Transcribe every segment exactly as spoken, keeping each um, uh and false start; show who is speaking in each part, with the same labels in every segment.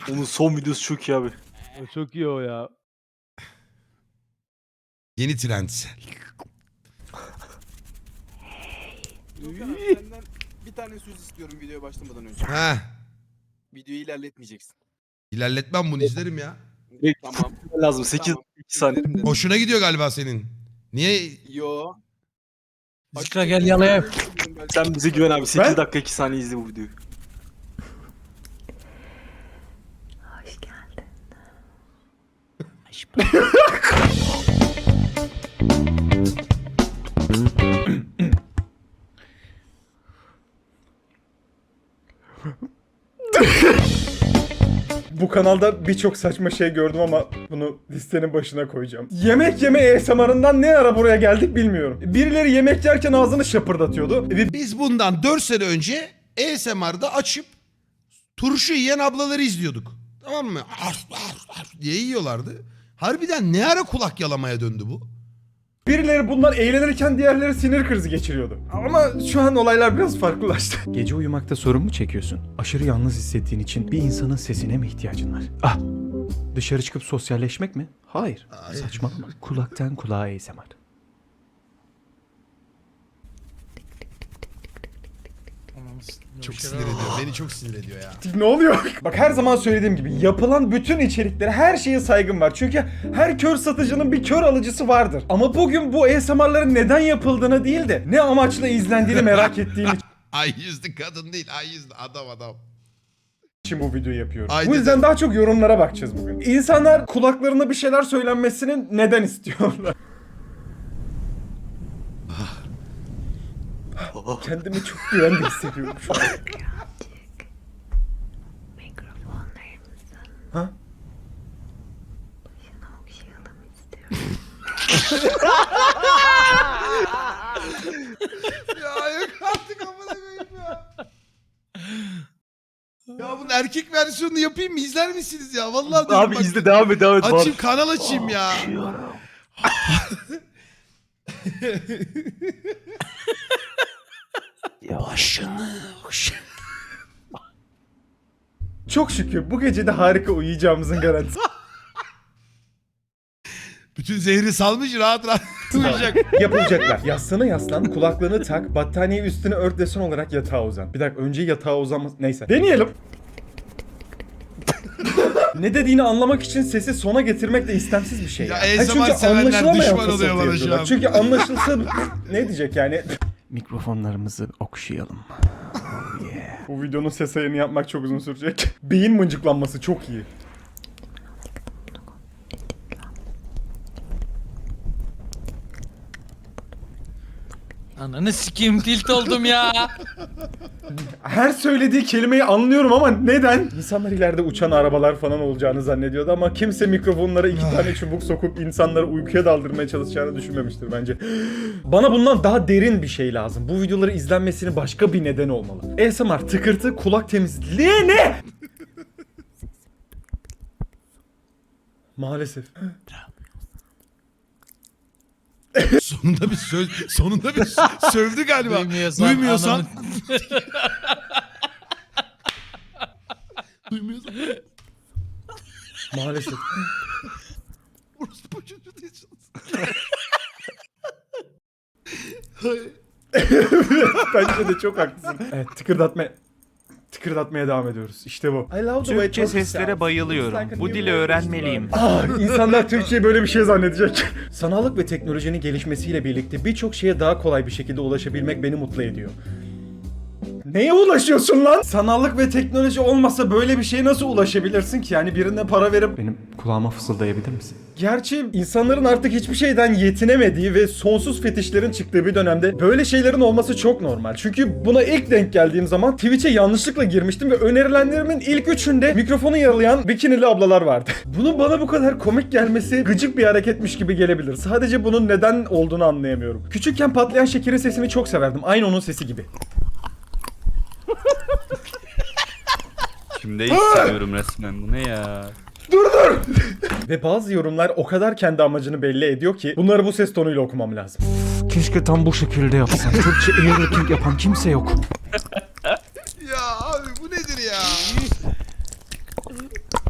Speaker 1: Onun son videosu çok iyi abi.
Speaker 2: Çok iyi o ya.
Speaker 3: Yeni trend.
Speaker 4: Tuğkan abi senden bir tane söz istiyorum videoya başlamadan önce.
Speaker 3: Ha.
Speaker 4: Videoyu ilerletmeyeceksin.
Speaker 3: İlerletmem bunu izlerim ya.
Speaker 1: Direkt
Speaker 4: Tamam.
Speaker 1: lazım. sekiz
Speaker 4: Tamam.
Speaker 1: iki saniye.
Speaker 4: İzlerim dedim.
Speaker 3: Hoşuna gidiyor galiba senin. Niye?
Speaker 4: Yo.
Speaker 2: Zikra gel yalayayım.
Speaker 1: Sen bize güven abi. sekiz
Speaker 5: Ben-
Speaker 1: dakika iki saniye izle bu videoyu.
Speaker 6: Hoş geldin.
Speaker 5: Bu kanalda birçok saçma şey gördüm ama bunu listenin başına koyacağım. Yemek yeme A S M R'ından ne ara buraya geldik bilmiyorum. Birileri yemek yerken ağzını şapırdatıyordu. Ve
Speaker 3: Biz bundan dört sene önce A S M R'da açıp turşu yiyen ablaları izliyorduk. Tamam mı? Arf, arf, arf diye yiyorlardı. Harbiden ne ara kulak yalamaya döndü bu?
Speaker 5: birileri bundan eğlenirken diğerleri sinir krizi geçiriyordu. Ama şu an olaylar biraz farklılaştı. Gece uyumakta sorun mu çekiyorsun? Aşırı yalnız hissettiğin için bir insanın sesine mi ihtiyacın var? Ah! Dışarı çıkıp sosyalleşmek mi? Hayır.
Speaker 3: Hayır.
Speaker 5: Saçmalama. Kulaktan kulağa A S M R.
Speaker 3: Çok sinir ediyor. Beni çok sinir ediyor ya.
Speaker 5: Ne oluyor? Bak her zaman söylediğim gibi yapılan bütün içeriklere her şeye saygım var. Çünkü her kör satıcının bir kör alıcısı vardır. Ama bugün bu A S M R'ların neden yapıldığını değil de ne amaçla izlendiğini merak ettiğim
Speaker 3: Ay yüzlü kadın değil. Ay yüzlü adam adam.
Speaker 5: için bu videoyu yapıyorum.
Speaker 3: Ay
Speaker 5: bu yüzden
Speaker 3: dedim.
Speaker 5: daha çok yorumlara bakacağız bugün. İnsanlar kulaklarına bir şeyler söylenmesini neden istiyorlar? Kendimi çok güvende hissediyorum şu an.
Speaker 6: Birazcık mikrofonlarımızın
Speaker 5: Ha?
Speaker 6: başına okşayalım istiyorum.
Speaker 3: Ya yok artık amına koyayım ya. Ya bunun erkek versiyonunu yapayım mı? İzler misiniz ya? Vallahi diyorum
Speaker 1: Abi
Speaker 3: bak.
Speaker 1: izle devam et devam et.
Speaker 3: Açayım kanal açayım ya. Başını
Speaker 5: Çok şükür bu gece de harika uyuyacağımızın garantisi.
Speaker 3: bütün zehri salmış rahat rahat uyuyacak.
Speaker 5: Yapılacaklar. Yastığına yaslan, kulaklığını tak, battaniye üstüne ört desen olarak yatağa uzan. Bir dakika önce yatağa uzanması... Neyse. Deneyelim. Ne dediğini anlamak için sesi sona getirmek de istemsiz bir şey.
Speaker 3: Ya
Speaker 5: Ya,
Speaker 3: A S M R
Speaker 5: Ha, çünkü
Speaker 3: sevenler
Speaker 5: anlaşılamayan
Speaker 3: düşman
Speaker 5: fısıltı
Speaker 3: oluyor bana şu
Speaker 5: yapıyorlar.
Speaker 3: an.
Speaker 5: Çünkü anlaşılsa ne diyecek yani? Mikrofonlarımızı okşayalım. Oh yeah. Bu videonun ses ayarını yapmak çok uzun sürecek. Beyin mıncıklanması çok iyi.
Speaker 2: Ananı sikeyim tilt oldum ya.
Speaker 5: Her söylediği kelimeyi anlıyorum ama neden? İnsanlar ileride uçan arabalar falan olacağını zannediyordu ama kimse mikrofonlara iki tane çubuk sokup insanları uykuya daldırmaya çalışacağını düşünmemiştir bence. Bana bundan daha derin bir şey lazım. Bu videoları izlenmesinin başka bir nedeni olmalı. A S M R, tıkırtı, kulak temizliği ne? Maalesef.
Speaker 3: Sonunda bir söz, sonunda bir sö- sövdü galiba.
Speaker 2: Duymuyorsan,
Speaker 3: Duymuyorsan.
Speaker 2: ananı-
Speaker 3: Duymuyorsan.
Speaker 5: Maalesef.
Speaker 3: Orospu çocuğu değilsiniz. Hayır.
Speaker 5: Bence de çok haklısın. Evet, tıkırdatma... Tıkırdatmaya devam ediyoruz. İşte bu.
Speaker 7: Türkçe seslere bayılıyorum. Bu dili öğrenmeliyim.
Speaker 5: Ah, insanlar Türkiye böyle bir şey zannedecek. Sanallık ve teknolojinin gelişmesiyle birlikte birçok şeye daha kolay bir şekilde ulaşabilmek beni mutlu ediyor. Neye ulaşıyorsun lan? Sanallık ve teknoloji olmasa böyle bir şeye nasıl ulaşabilirsin ki? Yani birine para verip... Benim kulağıma fısıldayabilir misin? Gerçi insanların artık hiçbir şeyden yetinemediği ve sonsuz fetişlerin çıktığı bir dönemde böyle şeylerin olması çok normal. Çünkü buna ilk denk geldiğim zaman Twitch'e yanlışlıkla girmiştim ve önerilenlerimin ilk üçünde mikrofonu yaralayan bikinili ablalar vardı. Bunun bana bu kadar komik gelmesi gıcık bir hareketmiş gibi gelebilir. Sadece bunun neden olduğunu anlayamıyorum. Küçükken patlayan şekerin sesini çok severdim. Aynı onun sesi gibi.
Speaker 7: Şimdi hissediyorum resmen. Bu ne ya?
Speaker 5: Dur dur! Ve bazı yorumlar o kadar kendi amacını belli ediyor ki bunları bu ses tonuyla okumam lazım. Keşke tam bu şekilde yapsam. Türkçe airlocking yapan kimse yok.
Speaker 3: Ya abi bu nedir ya?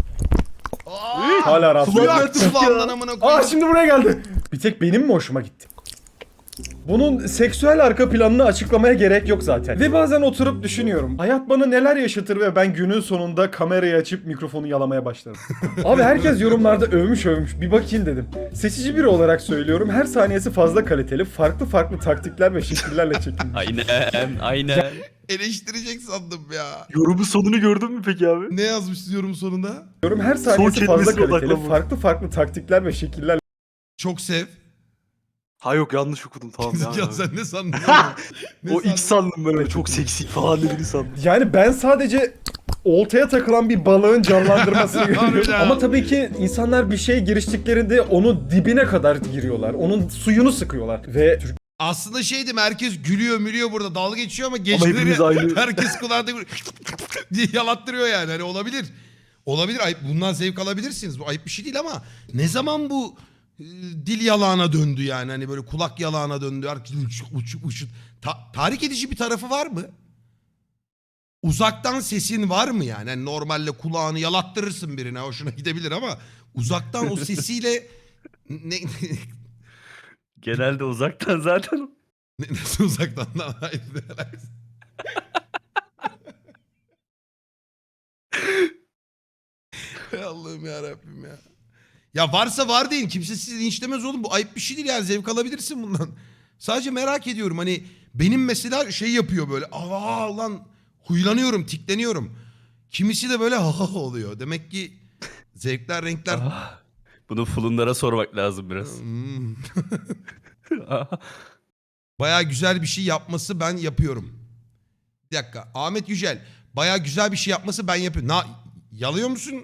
Speaker 3: Aa,
Speaker 5: Hala rahatsız.
Speaker 3: suyu
Speaker 5: oluyorum.
Speaker 3: aktı kulağımdan amına
Speaker 5: Aa
Speaker 3: koyayım.
Speaker 5: şimdi buraya geldi. Bir tek benim mi hoşuma gitti? Bunun seksüel arka planını açıklamaya gerek yok zaten. Ve bazen oturup düşünüyorum. Hayat bana neler yaşatır ve ben günün sonunda kamerayı açıp mikrofonu yalamaya başlarım. Abi herkes yorumlarda övmüş övmüş. Bir bakayım dedim. Seçici biri olarak söylüyorum. Her saniyesi fazla kaliteli. Farklı farklı taktikler ve şekillerle çekilmiş.
Speaker 7: Aynen, aynen.
Speaker 3: Eleştirecek sandım ya.
Speaker 1: Yorumun sonunu gördün mü peki abi?
Speaker 3: Ne yazmış yorum sonunda?
Speaker 5: Diyorum her saniyesi fazla
Speaker 1: kelimesine
Speaker 5: kaliteli.
Speaker 1: odaklanma.
Speaker 5: Farklı farklı taktikler ve şekillerle
Speaker 3: Çok sev.
Speaker 1: Ha yok yanlış okudum tamam ya.
Speaker 3: Ya sen ne sandın? oğlum? Ne
Speaker 1: O
Speaker 3: sandın?
Speaker 1: ilk sandım böyle çok seksi falan dediğini sandım.
Speaker 5: Yani ben sadece oltaya takılan bir balığın canlandırmasını görüyorum.
Speaker 3: Harbiden.
Speaker 5: Ama tabii ki insanlar bir şeye giriştiklerinde onun dibine kadar giriyorlar. Onun suyunu sıkıyorlar. Ve
Speaker 3: Aslında şeydim herkes gülüyor mülüyor burada dalga geçiyor ama
Speaker 1: hepimiz
Speaker 3: geceleri
Speaker 1: aynı.
Speaker 3: herkes kulağında böyle diye yalattırıyor yani. Hani olabilir. Olabilir. Ayıp. Bundan zevk alabilirsiniz. Bu ayıp bir şey değil ama ne zaman bu e, dil yalağına döndü yani. Hani böyle kulak yalağına döndü. Herkes uç, uç, uç. Ta- tahrik edici bir tarafı var mı? Uzaktan sesin var mı yani? Hani normalde kulağını yalattırırsın birine. Hoşuna gidebilir ama uzaktan o sesiyle ne,
Speaker 7: Genelde uzaktan zaten.
Speaker 3: ne, nasıl uzaktan lan? Hayır, ne alakası? Ey Allah'ım ya Rabbim ya. Ya varsa var deyin. Kimse sizi linçlemez oğlum. Bu ayıp bir şey değil yani. Zevk alabilirsin bundan. Sadece merak ediyorum. Hani benim mesela şey yapıyor böyle. Aa lan huylanıyorum, tikleniyorum. Kimisi de böyle ha ha oluyor. Demek ki zevkler, renkler...
Speaker 7: Ah, bunu fulunlara sormak lazım biraz.
Speaker 3: Hmm. Baya güzel bir şey yapması ben yapıyorum. Bir dakika. Ahmet Yücel. Baya güzel bir şey yapması ben yapıyorum. Na, yalıyor musun?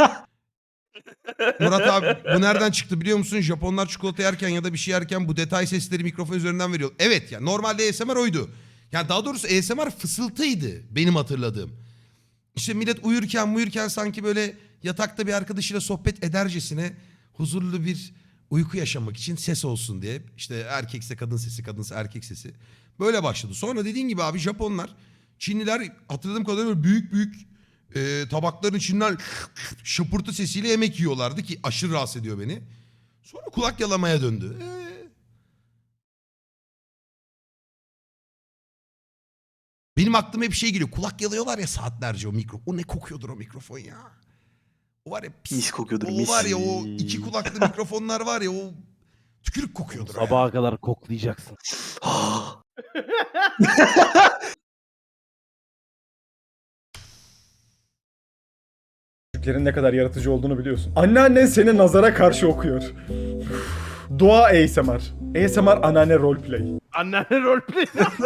Speaker 3: Murat abi bu nereden çıktı biliyor musun? Japonlar çikolata yerken ya da bir şey yerken bu detay sesleri mikrofon üzerinden veriyor. Evet yani normalde A S M R oydu. Yani daha doğrusu A S M R fısıltıydı benim hatırladığım. İşte millet uyurken uyurken sanki böyle yatakta bir arkadaşıyla sohbet edercesine huzurlu bir uyku yaşamak için ses olsun diye. İşte erkekse kadın sesi, kadınsa erkek sesi. Böyle başladı. Sonra dediğin gibi abi Japonlar, Çinliler hatırladığım kadarıyla böyle büyük büyük e, tabakların içinden şıpırtı sesiyle yemek yiyorlardı ki aşırı rahatsız ediyor beni. Sonra kulak yalamaya döndü. Ee, Benim aklıma hep şey geliyor. Kulak yalıyorlar ya saatlerce o mikrofon. O ne kokuyordur o mikrofon ya. O var ya pis.
Speaker 1: Mis kokuyordur,
Speaker 3: O
Speaker 1: mis.
Speaker 3: var ya o iki kulaklı mikrofonlar var ya o tükürük kokuyordur. o ya.
Speaker 2: Sabaha kadar koklayacaksın.
Speaker 5: Türklerin ne kadar yaratıcı olduğunu biliyorsun. Anneannen seni nazara karşı okuyor. Dua A S M R. A S M R anneanne roleplay.
Speaker 2: Anneanne roleplay.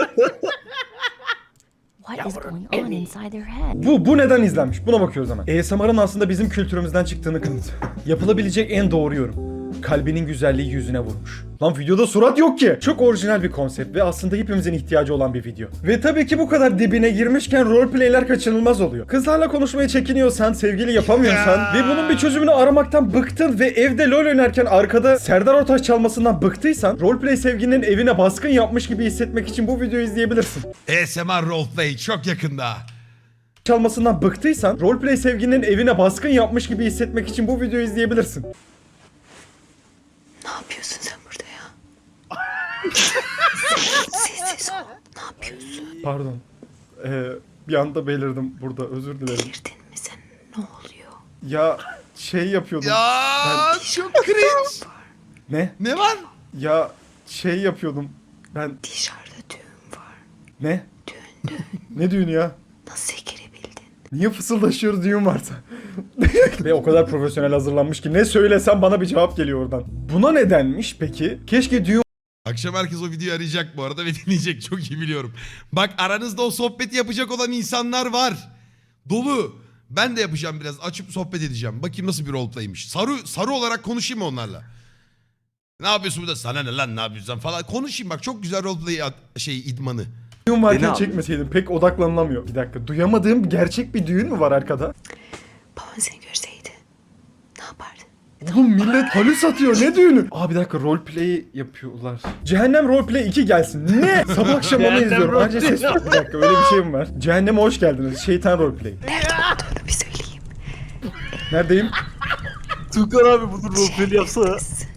Speaker 6: What is going on inside their head?
Speaker 5: Bu, bu neden izlenmiş? Buna bakıyoruz hemen. A S M R'ın aslında bizim kültürümüzden çıktığını kanıt. Yapılabilecek en doğru yorum. Kalbinin güzelliği yüzüne vurmuş. Lan videoda surat yok ki. Çok orijinal bir konsept ve aslında hepimizin ihtiyacı olan bir video. Ve tabii ki bu kadar dibine girmişken roleplayler kaçınılmaz oluyor. Kızlarla konuşmaya çekiniyorsan, sevgili yapamıyorsan ve bunun bir çözümünü aramaktan bıktın ve evde LoL oynarken arkada Serdar Ortaç çalmasından bıktıysan, roleplay sevgilinin evine baskın yapmış gibi hissetmek için bu videoyu izleyebilirsin.
Speaker 3: A S M R roleplay çok yakında.
Speaker 5: Çalmasından bıktıysan, roleplay sevgilinin evine baskın yapmış gibi hissetmek için bu videoyu izleyebilirsin.
Speaker 6: Ne yapıyorsun sen burada ya? Sessiz ol. Ne yapıyorsun?
Speaker 5: Pardon. Ee, bir anda belirdim burada. Özür dilerim.
Speaker 6: Delirdin mi sen? Ne oluyor?
Speaker 5: Ya şey yapıyordum.
Speaker 3: Ya çok cringe.
Speaker 5: Ne?
Speaker 3: Ne var?
Speaker 5: Ya şey yapıyordum. Ben
Speaker 6: Dışarıda düğün var.
Speaker 5: ne?
Speaker 6: Düğün düğün.
Speaker 5: Ne düğünü ya?
Speaker 6: Nasıl girebildin?
Speaker 5: Niye fısıldaşıyoruz düğün varsa? Ve o kadar profesyonel hazırlanmış ki ne söylesem bana bir cevap geliyor oradan. Buna nedenmiş peki? Keşke düğün
Speaker 3: Akşam herkes o videoyu arayacak bu arada ve dinleyecek çok iyi biliyorum. Bak aranızda o sohbeti yapacak olan insanlar var. Dolu. Ben de yapacağım biraz. Açıp sohbet edeceğim. Bakayım nasıl bir roleplaymiş. Sarı, sarı olarak konuşayım mı onlarla? Ne yapıyorsun burada? Sana ne lan ne yapıyorsun falan. Konuşayım bak çok güzel roleplay ad- şey idmanı.
Speaker 5: düğün varken
Speaker 1: Beni al.
Speaker 5: çekmeseydim pek odaklanılamıyor. Bir dakika. Duyamadığım gerçek bir düğün mü var arkada?
Speaker 6: Baban seni görseydi ne yapardın?
Speaker 5: Oğlum millet halüs atıyor ne düğünü? Aa bir dakika roleplay yapıyorlar. Cehennem roleplay iki gelsin. Ne? Sabah akşam onu
Speaker 2: Cehennem
Speaker 5: izliyorum. Anca ses
Speaker 2: roleplay.
Speaker 5: yok. Bir dakika öyle bir şey mi var? Cehenneme hoş geldiniz. Şeytan roleplay.
Speaker 6: Nerede olduğunu bir söyleyeyim.
Speaker 5: Neredeyim?
Speaker 1: Tukan abi bunu roleplay yapsana.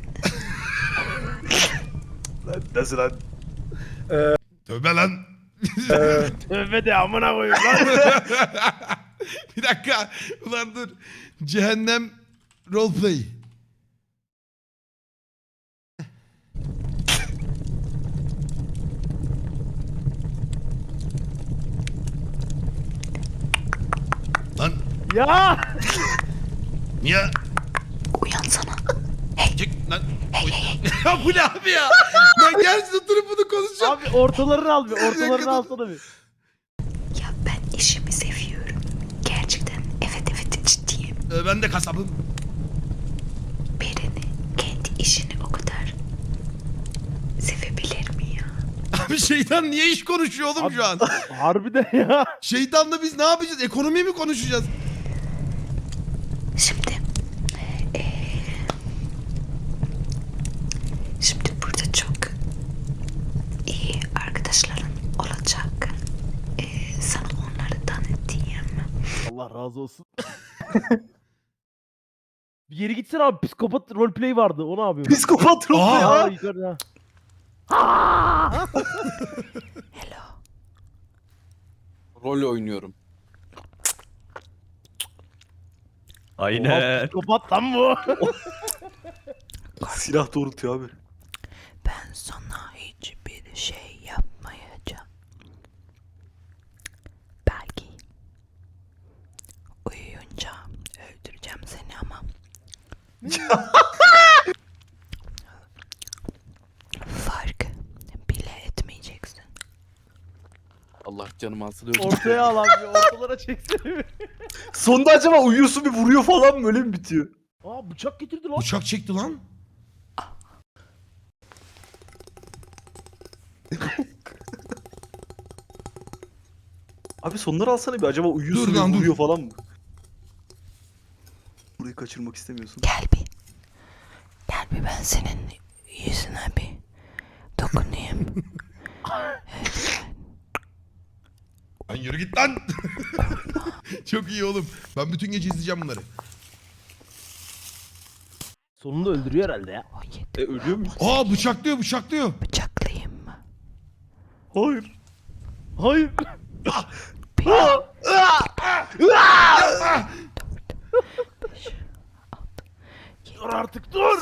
Speaker 1: Lan nasıl lan?
Speaker 3: Tövbe lan.
Speaker 2: Tövbe de amına koyayım lan.
Speaker 3: Bir dakika. Ulan dur. Cehennem roleplay. Lan
Speaker 2: Ya.
Speaker 3: niye?
Speaker 6: Uyansana.
Speaker 3: Çık lan. Ya bu ne abi ya? Ben gerçekten oturup bunu konuşacağım.
Speaker 2: Abi ortalarını al bir.
Speaker 3: dakika, dur.
Speaker 2: Ortalarını alsana bir.
Speaker 6: Ya ben işimi seviyorum. Gerçekten evet evet ciddiyim.
Speaker 3: Ee, ben de kasabım.
Speaker 6: Birini kendi işini o kadar sevebilir mi ya?
Speaker 3: Abi şeytan niye iş konuşuyor oğlum
Speaker 2: Abi-
Speaker 3: şu an?
Speaker 2: Harbiden ya.
Speaker 3: Şeytanla biz ne yapacağız? Ekonomi mi konuşacağız?
Speaker 6: Şimdi eee, şimdi burada çok iyi arkadaşların olacak. Eee, sana onları tanıtayım.
Speaker 2: Allah razı olsun. Bir geri gitsene abi. Psikopat roleplay vardı. O ne yapıyor?
Speaker 1: Psikopat roleplay
Speaker 2: Aa,
Speaker 1: ya.
Speaker 2: yukarıda.
Speaker 6: Hello.
Speaker 4: Rol oynuyorum.
Speaker 2: Oha, psikopat lan bu.
Speaker 1: Silah doğrultuyor abi.
Speaker 6: Ben sana hiçbir şey yapmayacağım. Belki uyuyunca öldüreceğim seni ama. Fark bile etmeyeceksin.
Speaker 4: Allah canımı alsın öldüm.
Speaker 2: Ortaya al abi. Ortalara çeksene bir.
Speaker 1: Sonunda acaba uyuyorsun bir vuruyor falan mı öyle mi bitiyor?
Speaker 2: Aa bıçak getirdi lan.
Speaker 3: Uçak çekti lan.
Speaker 1: Abi sonları alsana bir acaba uyuyorsun
Speaker 3: Dur
Speaker 1: bir
Speaker 3: lan, dur.
Speaker 1: vuruyor falan mı? Burayı kaçırmak istemiyorsun.
Speaker 6: Gel bir. Gel bir ben senin yüzüne bir dokunayım.
Speaker 3: Lan yürü git lan. Çok iyi oğlum. Ben bütün gece izleyeceğim bunları.
Speaker 2: Sonunda öldürüyor herhalde ya.
Speaker 6: O yedi
Speaker 1: E ölüyor muyuz?
Speaker 3: Aa bıçaklıyor bıçaklıyor.
Speaker 6: bıçaklayayım mı?
Speaker 1: Hayır.
Speaker 2: Hayır. Dur artık dur.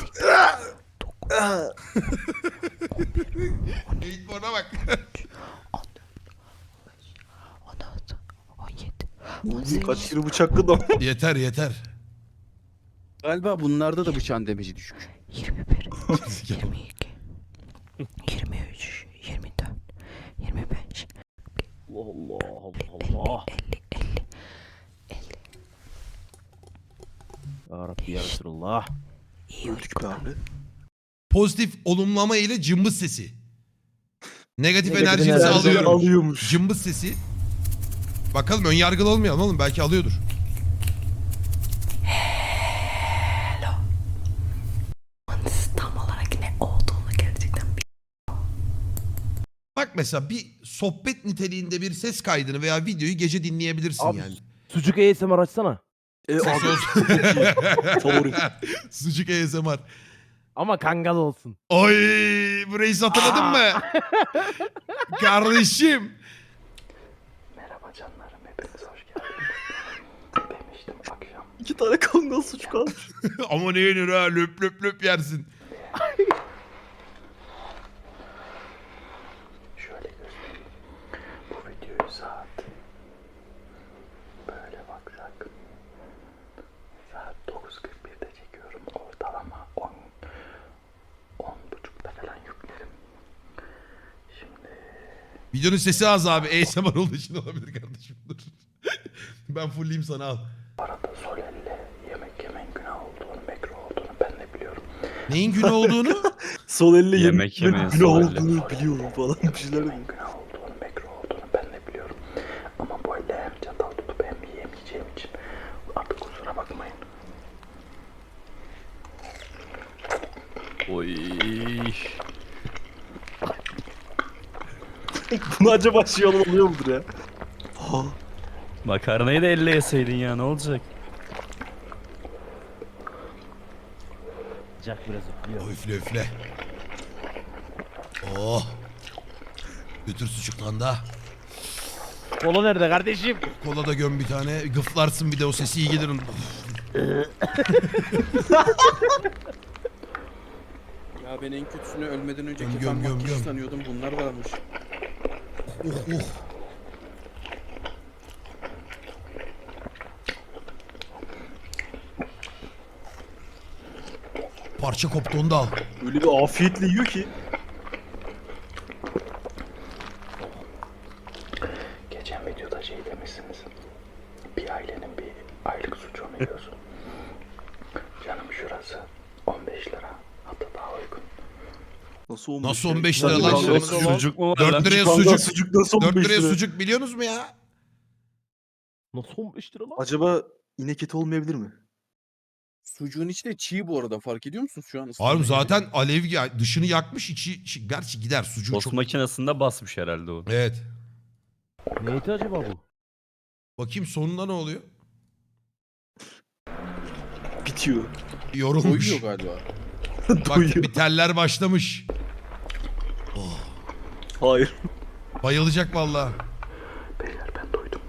Speaker 3: Eğit bana bak.
Speaker 6: on altı, on yedi,
Speaker 1: Kaç kere bıçakladı ama.
Speaker 3: Yeter yeter.
Speaker 4: Galiba bunlarda da bıçağın demeci düşük.
Speaker 6: yirmi bir, yirmi iki, yirmi üç, yirmi dört, yirmi beş,
Speaker 2: Allah Allah Allah.
Speaker 6: elli, elli.
Speaker 2: Ya Rabbi ya Resulallah.
Speaker 6: İyi
Speaker 1: Öldük be abi.
Speaker 3: Pozitif olumlama ile cımbız sesi. Negatif,
Speaker 2: Negatif
Speaker 3: enerjinizi
Speaker 2: enerji
Speaker 3: alıyorum.
Speaker 1: Alıyormuş.
Speaker 3: Cımbız sesi. Bakalım ön yargılı olmayalım oğlum. Belki alıyordur.
Speaker 6: tam olarak ne olduğunu gerçekten
Speaker 3: Bak mesela bir sohbet niteliğinde bir ses kaydını veya videoyu gece dinleyebilirsin
Speaker 2: Abi,
Speaker 3: yani.
Speaker 2: Sucuk A S M R açsana.
Speaker 1: E
Speaker 3: Ses
Speaker 1: abi
Speaker 3: olsun.
Speaker 1: favori.
Speaker 3: Sucuk A S M R.
Speaker 2: Ama kangal olsun.
Speaker 3: Oy, burayı hatırladın mı? Kardeşim.
Speaker 6: Merhaba canlarım, hepiniz hoş geldiniz. Demiştim akşam.
Speaker 1: İki tane kangal suç kalmış.
Speaker 3: Ama ne yenir ha, löp löp löp yersin.
Speaker 6: Şöyle göstereyim. Bu videoyu saat böyle baksak saat dokuz kırk birde çekiyorum. Ortalama on on buçukta falan yüklerim. Şimdi
Speaker 3: Videonun sesi az abi. A S M R olduğu için olabilir kardeşim. Dur. Ben fullleyeyim sana al.
Speaker 6: arada sol elle yemek yemenin günah olduğunu, mekruh olduğunu ben de biliyorum.
Speaker 3: Neyin günü olduğunu?
Speaker 1: Sol elle
Speaker 7: Yemek
Speaker 1: yemek
Speaker 7: yemeyin
Speaker 1: günah
Speaker 7: sol elle.
Speaker 1: olduğunu biliyorum falan bir şeyler diyor.
Speaker 6: Günah olduğunu, mekruh olduğunu ben de biliyorum. Ama bu elle hem çatal tutup hem yiyemeyeceğim için artık kusura bakmayın.
Speaker 7: Oy.
Speaker 1: Bunu acaba şey oluyor mudur ya? Ha.
Speaker 7: Makarnayı da elle yeseydin ya ne olacak?
Speaker 2: Sıcak biraz üflüyor.
Speaker 3: Üfle üfle. Oh. Götür sucuktan da.
Speaker 2: Kola nerede kardeşim?
Speaker 3: Kola da göm bir tane. Gıflarsın bir de o sesi iyi gelir.
Speaker 4: Ya ben en kötüsünü ölmeden önceki
Speaker 3: Göm,
Speaker 4: fan
Speaker 3: göm, göm,
Speaker 4: makyajı
Speaker 3: göm.
Speaker 4: sanıyordum. Bunlar varmış.
Speaker 3: Oh oh. Parça koptu onu da al.
Speaker 1: Öyle bir afiyetle yiyor ki.
Speaker 6: Geçen videoda şey demişsiniz. Bir ailenin bir aylık sucuğunu yiyorsun. Canım şurası on beş lira. Hatta daha uygun.
Speaker 1: Nasıl on beş
Speaker 3: Nasıl
Speaker 1: lira?
Speaker 3: on beş lira lan?
Speaker 1: Nasıl
Speaker 3: Oğlum,
Speaker 1: sucuk?
Speaker 7: Sucuk mu var
Speaker 3: dört
Speaker 7: lan?
Speaker 3: liraya
Speaker 1: Kangal
Speaker 3: sucuk.
Speaker 1: sucuk nasıl on
Speaker 3: dört
Speaker 1: beş
Speaker 3: liraya
Speaker 1: lira?
Speaker 3: sucuk biliyorsunuz mu ya?
Speaker 2: Nasıl on beş lira lan?
Speaker 1: Acaba inek eti olmayabilir mi?
Speaker 4: Sucuğun içi de çiğ bu arada. Fark ediyor musunuz şu an?
Speaker 3: Harbi
Speaker 4: ısıtmayı?
Speaker 3: zaten alev ya- dışını yakmış içi, içi- gerçi gider sucuk
Speaker 7: Tost
Speaker 3: çok.
Speaker 7: makinesinde basmış herhalde o.
Speaker 3: Evet.
Speaker 2: Ne eti acaba bu?
Speaker 3: Bakayım sonunda ne oluyor?
Speaker 1: Bitiyor.
Speaker 3: Yorulmuş.
Speaker 4: Doyuyor galiba.
Speaker 3: Bak
Speaker 1: Doyuyor.
Speaker 3: bir teller başlamış.
Speaker 1: Hayır.
Speaker 3: Bayılacak vallahi.
Speaker 6: Beyler ben doydum.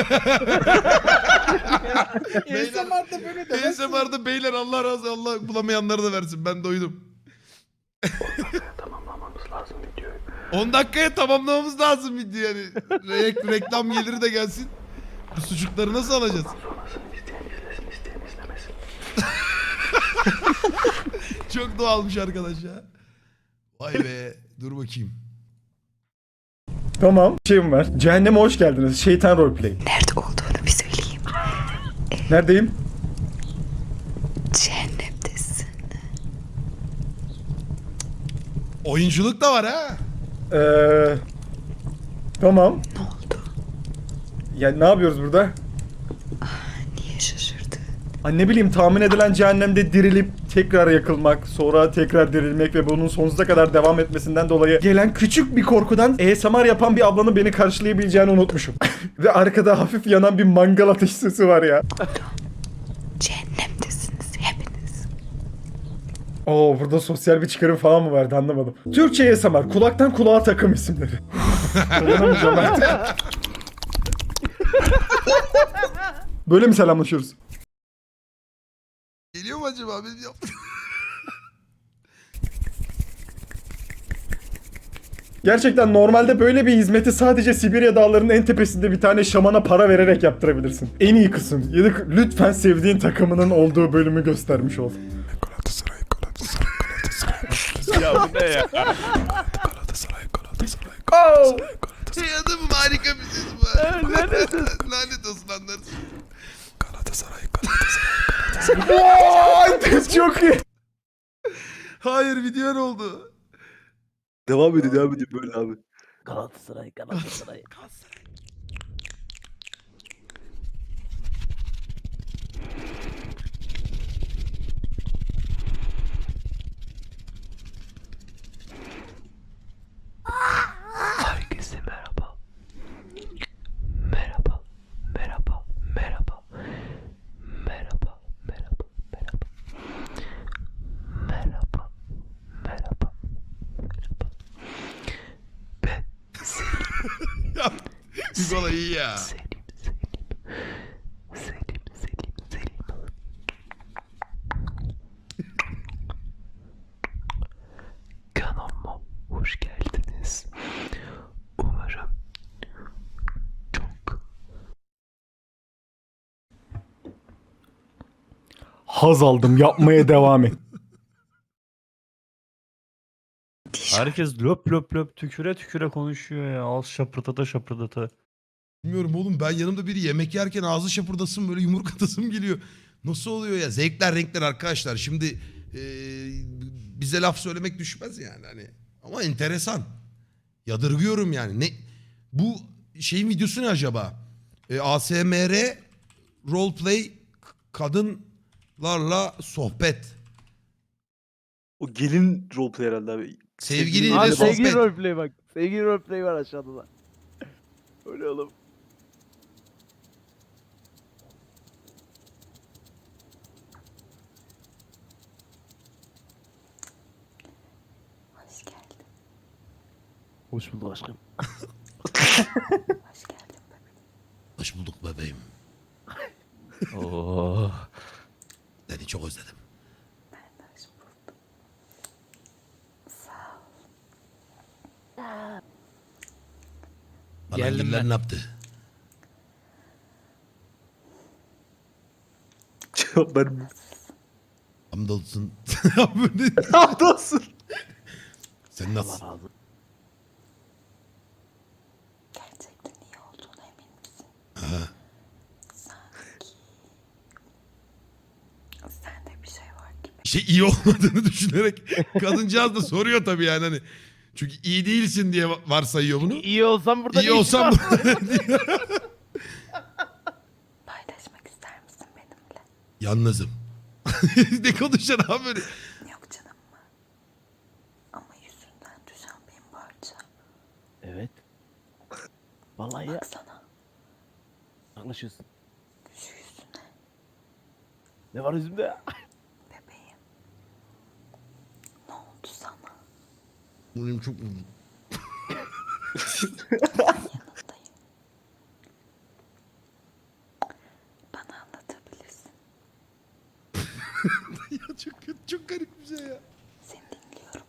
Speaker 3: Beyler,
Speaker 4: A S M R'da böyle demezsin.
Speaker 3: A S M R'da beyler Allah razı Allah bulamayanları da versin ben doydum.
Speaker 6: Tamamlamamız lazım videoyu.
Speaker 3: on dakikaya tamamlamamız lazım video yani. Re- reklam geliri de gelsin. Bu sucukları nasıl alacağız?
Speaker 6: Sonrasını isteyen izlesin, isteyen izlemesin.
Speaker 3: Çok doğalmış arkadaş ya. Vay be. Dur bakayım.
Speaker 5: Tamam. Şeyim var. Cehenneme hoş geldiniz. Şeytan roleplay.
Speaker 8: Nerede olduğunu bir söyleyeyim.
Speaker 5: Neredeyim?
Speaker 8: Cehennemdesin.
Speaker 3: Oyunculuk da var ha.
Speaker 5: Eee... Tamam.
Speaker 8: Ne oldu?
Speaker 5: Ya ne yapıyoruz burada?
Speaker 8: Niye şaşırdın?
Speaker 5: Ay ne bileyim tahmin edilen cehennemde dirilip tekrar yakılmak, sonra tekrar dirilmek ve bunun sonsuza kadar devam etmesinden dolayı gelen küçük bir korkudan A S M R yapan bir ablanın beni karşılayabileceğini unutmuşum. Ve arkada hafif yanan bir mangal ateş sesi var ya.
Speaker 8: Cehennemdesiniz hepiniz.
Speaker 5: Oo burada sosyal bir çıkarım falan mı vardı anlamadım. Türkçe A S M R, kulaktan kulağa takım isimleri. Dayanamayacağım artık. Böyle mi selamlaşıyoruz?
Speaker 3: Geliyor mu acaba? Benim yaptığım.
Speaker 5: Gerçekten normalde böyle bir hizmeti sadece Sibirya dağlarının en tepesinde bir tane şamana para vererek yaptırabilirsin. En iyi kısım. Ya da lütfen sevdiğin takımının olduğu bölümü göstermiş ol.
Speaker 6: Galatasaray, Galatasaray, Galatasaray.
Speaker 7: Ya bu ne ya?
Speaker 6: Galatasaray, Galatasaray,
Speaker 5: Oh!
Speaker 3: Şey adamım harika bir ses bu. Lanet olsun anlarsın.
Speaker 6: Galatasaray, Galatasaray.
Speaker 5: Vay! Çok iyi.
Speaker 3: Hayır video ne oldu?
Speaker 1: Devam ediyor devam ediyor böyle abi.
Speaker 2: Galatasaray, Galatasaray.
Speaker 6: Herkese merhaba. Merhaba. Merhaba. Merhaba. Merhaba. Merhaba. Merhaba. Merhaba. Merhaba. Merhaba. Ben
Speaker 3: Ya Hugo iyi ya.
Speaker 6: Selim, Selim. Selim, Selim, Selim. Kanalıma hoş geldiniz. Umarım çok
Speaker 5: Haz aldım. Yapmaya devam et.
Speaker 7: Herkes löp löp löp tüküre tüküre konuşuyor ya. Al şapırdata şapırdata.
Speaker 3: Bilmiyorum oğlum ben yanımda biri yemek yerken ağzı şapırdasın böyle yumruk atasım geliyor. Nasıl oluyor ya? Zevkler renkler arkadaşlar. Şimdi eee, bize laf söylemek düşmez yani hani. Ama enteresan. Yadırgıyorum yani. Ne bu şeyin videosu ne acaba? E, A S M R roleplay kadınlarla sohbet.
Speaker 1: O gelin roleplay herhalde abi.
Speaker 3: Sevgiliyle
Speaker 2: Abi
Speaker 3: sohbet.
Speaker 2: sevgili roleplay bak. Sevgili roleplay var aşağıda da. Öyle oğlum. Hoş bulduk aşkım.
Speaker 3: Hoş bulduk bebeğim.
Speaker 7: Oo.
Speaker 3: Seni çok özledim. Geldim ben. Ne yaptı?
Speaker 1: Cevap vermiyor.
Speaker 3: Hamdolsun.
Speaker 1: Hamdolsun.
Speaker 3: Sen nasıl?
Speaker 2: Allah razı olsun.
Speaker 8: Gerçekten iyi olduğuna emin misin?
Speaker 3: Ha.
Speaker 8: Sanki... Sende bir şey var gibi.
Speaker 3: Şey iyi olmadığını düşünerek kadıncağız da soruyor tabii yani hani. Çünkü iyi değilsin diye varsayıyor bunu.
Speaker 2: İyi olsam burada
Speaker 3: İyi
Speaker 2: ne işin
Speaker 3: olsam
Speaker 2: var?
Speaker 8: Paylaşmak ister misin benimle?
Speaker 3: yalnızım. Ne konuşacaksın abi böyle?
Speaker 8: Yok canım mı? Ama yüzünden düşen bin parça.
Speaker 2: Evet. Vallahi ya.
Speaker 8: Baksana
Speaker 2: Anlaşıyorsun.
Speaker 8: şu yüzüne
Speaker 2: Ne var yüzümde?
Speaker 8: bebeğim. Ne oldu sana?
Speaker 3: Benim çok uzun.
Speaker 8: Yanındayım. Bana anlatabilirsin.
Speaker 3: Ya çok kötü, çok garip bir şey ya.
Speaker 8: Seni dinliyorum.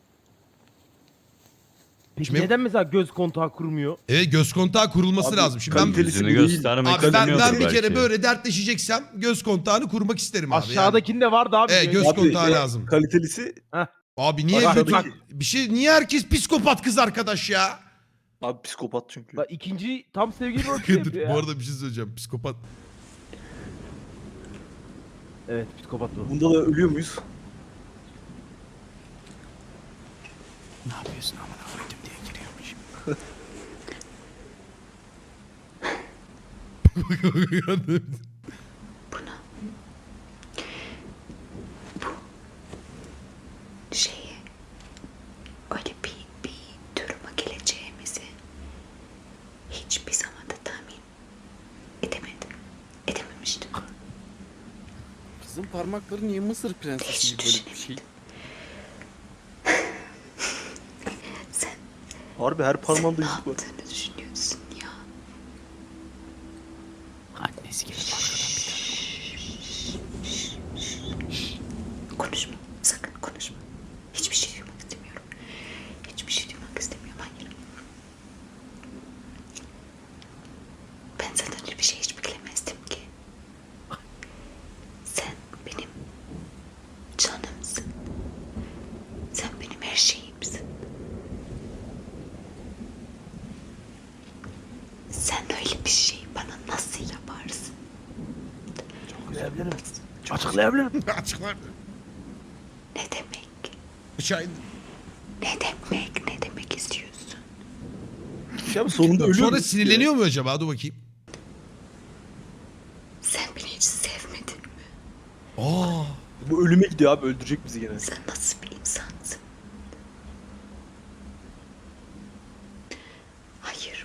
Speaker 2: Peki
Speaker 3: Şimdi-
Speaker 2: neden mesela göz kontağı kurmuyor?
Speaker 3: Evet göz kontağı kurulması
Speaker 1: Abi,
Speaker 3: lazım. Şimdi ben,
Speaker 1: kalitelisi
Speaker 7: Yüzünü
Speaker 1: bu değil.
Speaker 7: göstermek
Speaker 3: abi ben, ben
Speaker 7: istemiyordur
Speaker 3: bir kere
Speaker 7: belki.
Speaker 3: böyle dertleşeceksem göz kontağını kurmak isterim abi. Yani.
Speaker 2: Aşağıdakinde vardı abi.
Speaker 3: Evet, göz
Speaker 1: Abi,
Speaker 3: kontağı
Speaker 1: e,
Speaker 3: lazım.
Speaker 1: Kalitelisi
Speaker 3: Abi niye
Speaker 1: Bak,
Speaker 3: bütün,
Speaker 1: bak.
Speaker 3: bir şey niye herkes psikopat kız arkadaş ya?
Speaker 1: abi psikopat çünkü.
Speaker 2: Bak ikinci tam sevgili rolü yapıyor
Speaker 3: Bu
Speaker 2: ya.
Speaker 3: arada bir şey söyleyeceğim. Psikopat.
Speaker 2: Evet psikopat bu.
Speaker 1: Bunda da ölüyor muyuz?
Speaker 6: Ne yapıyorsun amına koydum diye giriyormuş.
Speaker 8: Buna. Bu şeyi öyle bir, bir duruma geleceğimizi hiçbir zaman da tahmin edemedim. Edememiştim.
Speaker 4: Kızın parmakları niye Mısır prensesi gibi böyle bir şey?
Speaker 8: Sen
Speaker 1: Harbi her parmağında
Speaker 8: ne
Speaker 1: yüzük var.
Speaker 8: yaptığını düşünüyorsun ya?
Speaker 6: Annesi gelip arkadan bir tane.
Speaker 8: Konuşma. Sakın konuşma. Hiçbir şey duymak istemiyorum. Hiçbir şey duymak istemiyorum. Hayır. Ben senden öyle bir şey hiç beklemezdim ki. Sen benim canımsın. Sen benim her şeyimsin. Sen öyle bir şey bana nasıl yaparsın?
Speaker 2: Açıklayabilirim. Açıklayabilirim.
Speaker 3: Açıklar.
Speaker 8: Ne demek?
Speaker 3: Bıçağı
Speaker 8: Ne demek? Ne demek istiyorsun?
Speaker 1: Ya sonunda ölüyor.
Speaker 3: Sonra
Speaker 1: muyuz?
Speaker 3: sinirleniyor mu acaba? Dur bakayım.
Speaker 8: Sen beni hiç sevmedin mi?
Speaker 3: Aa.
Speaker 1: Bu ölüme gidiyor abi, öldürecek bizi gene.
Speaker 8: Sen nasıl bir insansın? Hayır.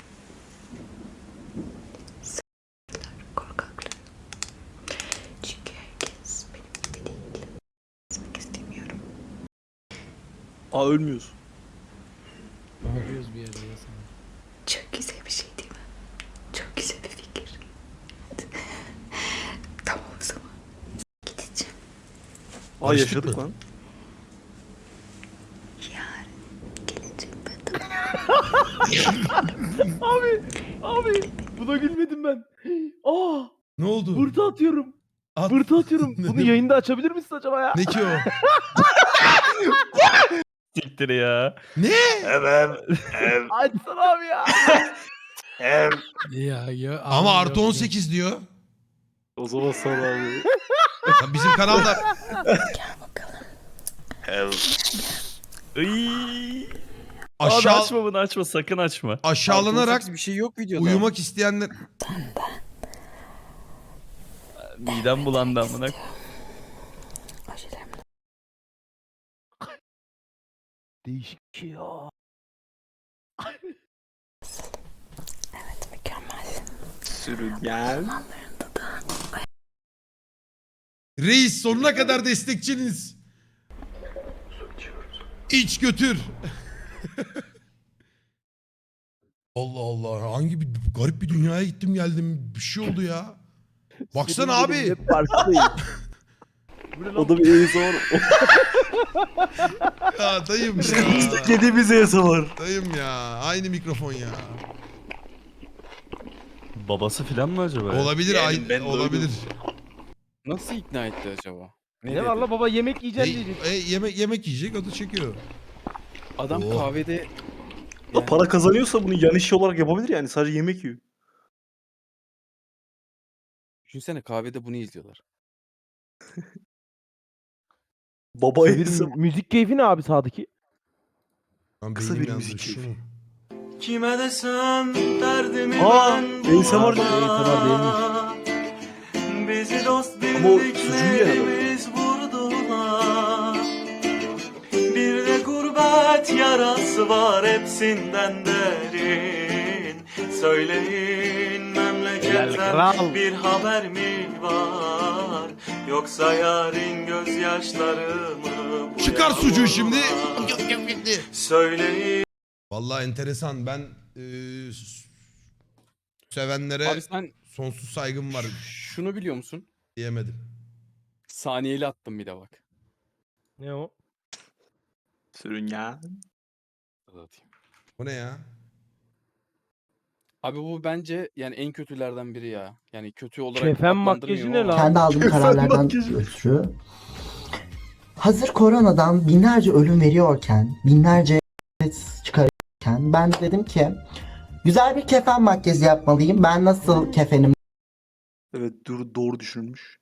Speaker 8: Sapıklar, korkaklar. Çünkü herkes benim gibi değil. Kesmek istemiyorum.
Speaker 1: Aa ölmüyoruz.
Speaker 8: Çok güzel bir şey değil mi? Çok güzel bir fikir. Tamam o zaman. Gideceğim.
Speaker 1: Aa
Speaker 3: Barıştık
Speaker 1: yaşadık
Speaker 3: mı?
Speaker 1: lan.
Speaker 8: Yarın geleceğim ben.
Speaker 2: Abi. Abi. Buna gülmedim ben. Aa.
Speaker 3: Ne oldu?
Speaker 2: Bırtı atıyorum.
Speaker 3: At.
Speaker 2: Bırtı atıyorum.
Speaker 3: Ne-
Speaker 2: Bunu yayında açabilir misin acaba ya?
Speaker 3: Ne ki o?
Speaker 7: Siktir ya.
Speaker 3: Ne?
Speaker 2: Açsana abi ya.
Speaker 9: Ya, ya,
Speaker 3: Ama
Speaker 9: abi,
Speaker 3: artı
Speaker 9: yok,
Speaker 3: on
Speaker 9: yok.
Speaker 3: sekiz diyor.
Speaker 1: O zaman sana abi.
Speaker 3: Ya bizim kanalda
Speaker 8: Gel bakalım.
Speaker 7: Iy. Abi
Speaker 3: aşağı
Speaker 7: açma bunu açma sakın açma.
Speaker 3: aşağılanarak
Speaker 4: bir şey yok videoda.
Speaker 3: uyumak isteyenler
Speaker 7: Midem bulandı amına.
Speaker 8: Ojelerim
Speaker 2: Değişik bir şey ya.
Speaker 8: evet mükemmel.
Speaker 1: Sürüngen.
Speaker 3: reis sonuna kadar destekçiniz.
Speaker 6: Su içiyoruz.
Speaker 3: İç götür. Allah Allah. Hangi bir garip bir dünyaya gittim geldim. Bir şey oldu ya. Baksana
Speaker 2: Senin
Speaker 3: abi.
Speaker 2: benim hep farkındayım. Bu ne lan?
Speaker 1: O da bir A S M R.
Speaker 3: Ya dayım ya.
Speaker 1: Yediğimiz A S M R.
Speaker 3: Dayım ya. Aynı mikrofon ya.
Speaker 7: Babası filan mı acaba? ya?
Speaker 3: Olabilir.
Speaker 1: Yani
Speaker 3: aynı,
Speaker 1: ben
Speaker 3: olabilir.
Speaker 4: Nasıl ikna etti acaba?
Speaker 2: Ne var la baba yemek
Speaker 3: E,
Speaker 2: yiyeceksin diyecek.
Speaker 3: e, yemek yemek yiyecek, o da çekiyor.
Speaker 4: Adam
Speaker 3: Oo.
Speaker 4: kahvede
Speaker 1: O para kazanıyorsa bunu yan iş olarak yapabilir yani. Sadece yemek yiyor.
Speaker 4: düşünsene kahvede bunu izliyorlar.
Speaker 1: Baba A
Speaker 2: Bir
Speaker 1: S M R.
Speaker 2: mü- müzik keyfi ne abi sağdaki?
Speaker 3: Lan
Speaker 1: Kısa
Speaker 3: beynim
Speaker 1: bir
Speaker 3: yandı,
Speaker 1: müzik
Speaker 3: şu
Speaker 1: keyfi.
Speaker 3: mu?
Speaker 9: Kime desem derdimi
Speaker 1: Aa,
Speaker 9: ben
Speaker 1: A S M R
Speaker 2: A S M R değilmiş.
Speaker 9: Bizi dost
Speaker 1: Ama o sucuğu yiyen adam.
Speaker 9: bildiklerimiz vurdular. Bir de gurbet yarası var hepsinden derin. Söyleyin memleketten
Speaker 2: kral.
Speaker 9: bir haber mi var? Yoksa yarın gözyaşlarımı bu
Speaker 3: Çıkar sucuğu şimdi.
Speaker 9: yağmurlar. Söyleyin.
Speaker 3: Vallahi enteresan. Ben eee, sevenlere
Speaker 4: Abi sen
Speaker 3: sonsuz saygım var
Speaker 4: şunu biliyor musun?
Speaker 3: diyemedim.
Speaker 4: Saniyeli attım bir de bak.
Speaker 2: Ne o?
Speaker 1: Sürün ya.
Speaker 4: Atayım.
Speaker 3: O ne ya?
Speaker 4: Abi bu bence yani en kötülerden biri ya. Yani kötü olarak
Speaker 2: Kefen
Speaker 4: adlandırmıyorum
Speaker 2: makyajı ne
Speaker 4: ama-
Speaker 2: lan?
Speaker 10: Kendi aldığım kararlardan
Speaker 1: makyajı.
Speaker 10: ötürü hazır koronadan binlerce ölüm veriyorken, binlerce çıkarırken ben de dedim ki güzel bir kefen makyajı yapmalıyım. Ben nasıl kefenim
Speaker 1: Evet doğru, doğru düşünülmüş.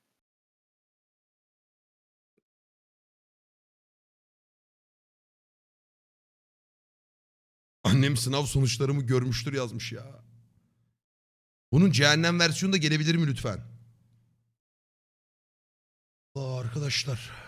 Speaker 3: Annem sınav sonuçlarımı görmüştür yazmış ya. Bunun cehennem versiyonu da gelebilir mi lütfen? Aa, arkadaşlar.